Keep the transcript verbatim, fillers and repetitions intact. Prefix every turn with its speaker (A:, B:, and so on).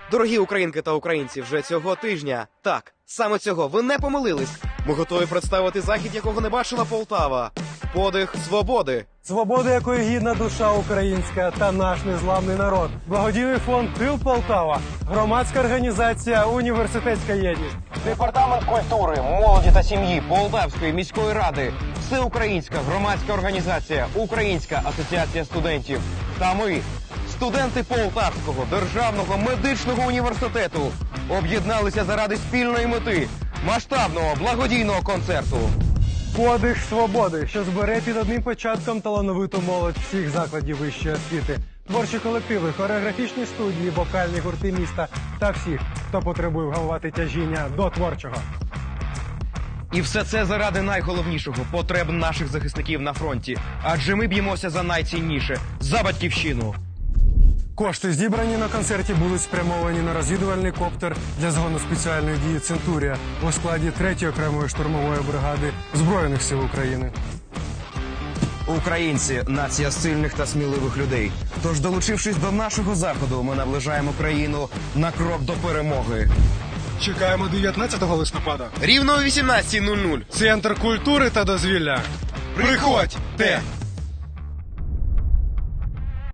A: Дорогі українки та українці, вже цього тижня, так, саме цього, ви не помилились. Ми готові представити захід, якого не бачила Полтава. Подих свободи.
B: Свобода, якої гідна душа українська та наш незламний народ. Благодійний фонд «Тил Полтава», громадська організація «Університетська єдність».
C: Департамент культури, молоді та сім'ї Полтавської міської ради, всеукраїнська громадська організація, Українська асоціація студентів та ми, студенти Полтавського державного медичного університету, об'єдналися заради спільної мети – масштабного благодійного концерту.
B: Подих свободи, що збере під одним початком талановиту молодь всіх закладів вищої освіти, творчі колективи, хореографічні студії, вокальні гурти міста та всіх, хто потребує вгамувати тяжіння до творчого.
C: І все це заради найголовнішого – потреб наших захисників на фронті. Адже ми б'ємося за найцінніше – за батьківщину.
B: Кошти, зібрані на концерті, будуть спрямовані на розвідувальний коптер для згону спеціальної дії «Центурія» у складі третьої окремої штурмової бригади Збройних сил України.
C: Українці – нація сильних та сміливих людей. Тож, долучившись до нашого заходу, ми наближаємо країну на крок до перемоги.
B: Чекаємо дев'ятнадцятого листопада.
A: Рівно о вісімнадцятій нуль нуль.
B: Центр культури та дозвілля.
A: Приходьте!